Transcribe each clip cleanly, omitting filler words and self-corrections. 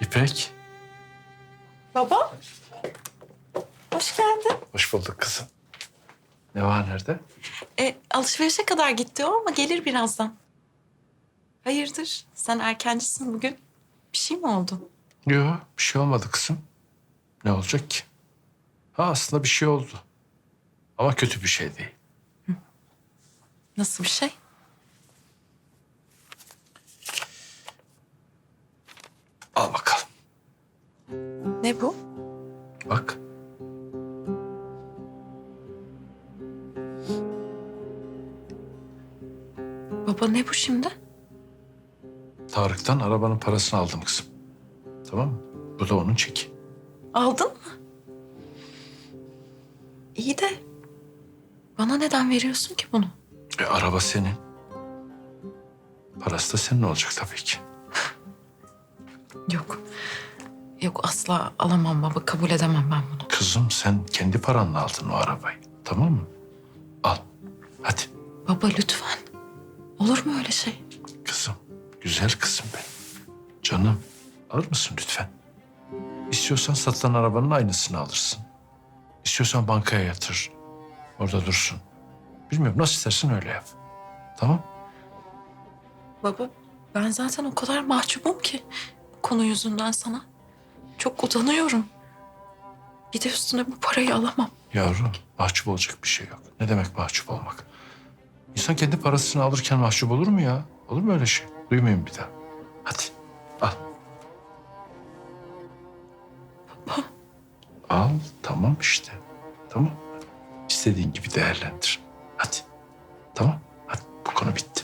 İpek. Baba. Hoş geldin. Hoş bulduk kızım. Ne var nerede? Alışverişe kadar gitti o ama gelir birazdan. Hayırdır? Sen erkencisin bugün. Bir şey mi oldu? Yok bir şey olmadı kızım. Ne olacak ki? Ha aslında bir şey oldu. Ama kötü bir şey değil. Nasıl bir şey? Al bakalım. Ne bu? Bak. Baba ne bu şimdi? Tarık'tan arabanın parasını aldım kızım. Tamam mı? Bu da onun çeki. Aldın mı? İyi de bana neden veriyorsun ki bunu? Araba senin. Parası da senin olacak tabii ki. Yok. Yok asla alamam baba. Kabul edemem ben bunu. Kızım sen kendi paranla aldın o arabayı. Tamam mı? Al. Hadi. Baba lütfen. Olur mu öyle şey? Kızım. Güzel kızım benim. Canım. Alır mısın lütfen? İstiyorsan satılan arabanın aynısını alırsın. İstiyorsan bankaya yatır. Orada dursun. Bilmiyorum nasıl istersen öyle yap. Tamam? Baba ben zaten o kadar mahcubum ki bu konu yüzünden sana. Çok utanıyorum. Bir de üstüne bu parayı alamam. Yavrum mahcup olacak bir şey yok. Ne demek mahcup olmak? İnsan kendi parasını alırken mahcup olur mu ya? Olur mu öyle şey? Duymayın bir daha. Hadi al. Baba. Al tamam işte. Tamam. İstediğin gibi değerlendir. Hadi. Tamam. Hadi bu konu bitti.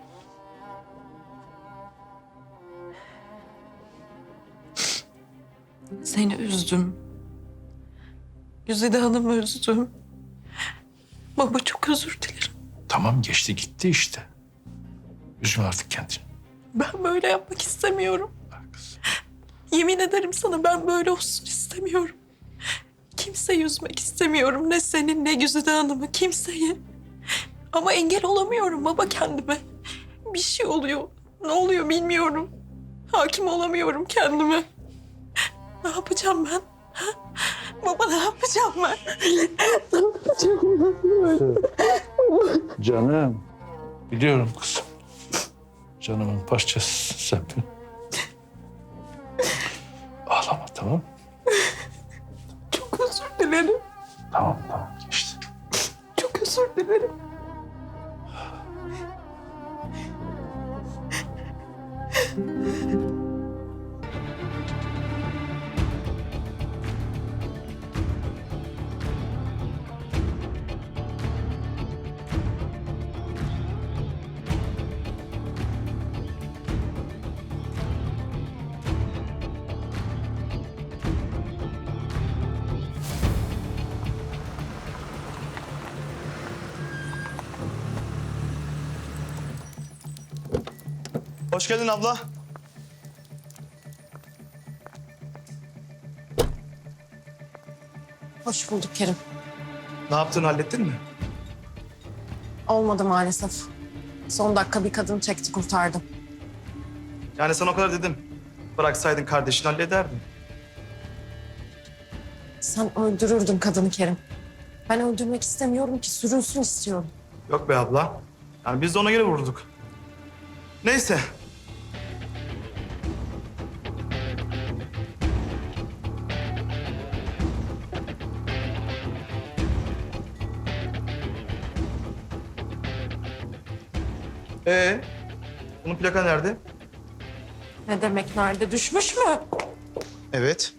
Seni üzdüm. Güzide Hanım'ı üzdüm. Baba çok özür dilerim. Tamam geçti gitti işte. Üzme artık kendini. Ben böyle yapmak istemiyorum. Bak kızım. Yemin ederim sana ben böyle olsun istemiyorum. Kimseyi üzmek istemiyorum. Ne senin ne Güzide Hanım'ı kimseyi. Ama engel olamıyorum baba kendime. Bir şey oluyor. Ne oluyor bilmiyorum. Hakim olamıyorum kendime. Ne yapacağım ben? Ha? Baba ne yapacağım ben? Ne yapacağım ben? Canım. Biliyorum kızım. Canımın parçası sen benim. Ağlama tamam mı? Çok özür dilerim. Tamam geçti. Çok özür dilerim. Hoş geldin abla. Hoş bulduk Kerim. Ne yaptın, hallettin mi? Olmadı maalesef. Son dakika bir kadın çekti kurtardım. Yani sana o kadar dedim. Bıraksaydın kardeşini hallederdin. Sen öldürürdün kadını Kerim. Ben öldürmek istemiyorum ki sürünsün istiyorum. Yok be abla. Yani biz de ona göre vurduk. Neyse. Bunun plaka nerede? Ne demek nerede düşmüş mü? Evet.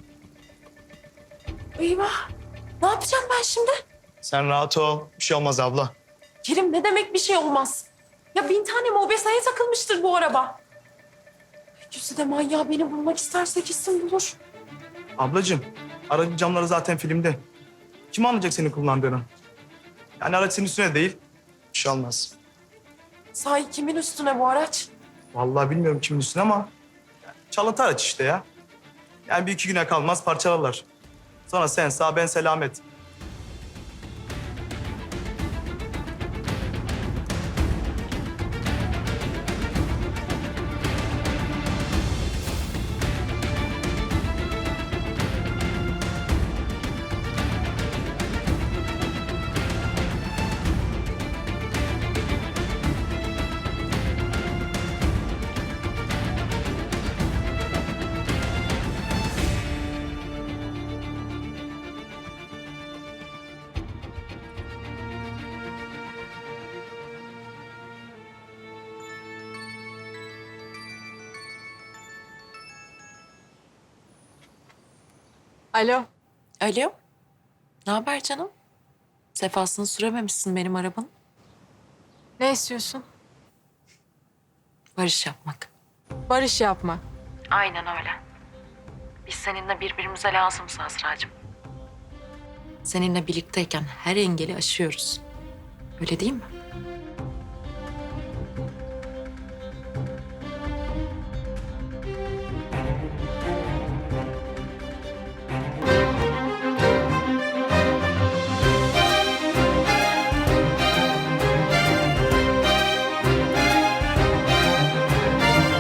Eyvah. Ne yapacağım ben şimdi? Sen rahat ol. Bir şey olmaz abla. Kerim ne demek bir şey olmaz. Ya 1000 tane mobesaya takılmıştır bu araba. Güzide manyağı beni bulmak isterse kesin bulur. Ablacığım, aracın camları zaten filmde. Kim anlayacak senin kullandığını? Yani araç senin üstüne değil. Bir şey olmaz. Sahi kimin üstüne bu araç? Vallahi bilmiyorum kimin üstüne ama çalıntı araç işte ya. Yani bir iki güne kalmaz parçalarlar. Sonra sen sağ ben selamet. Alo. Alo. Ne haber canım? Sefasını sürememişsin benim arabanın. Ne istiyorsun? Barış yapmak. Barış yapma. Aynen öyle. Biz seninle birbirimize lazımız Azra'cığım. Seninle birlikteyken her engeli aşıyoruz. Öyle değil mi?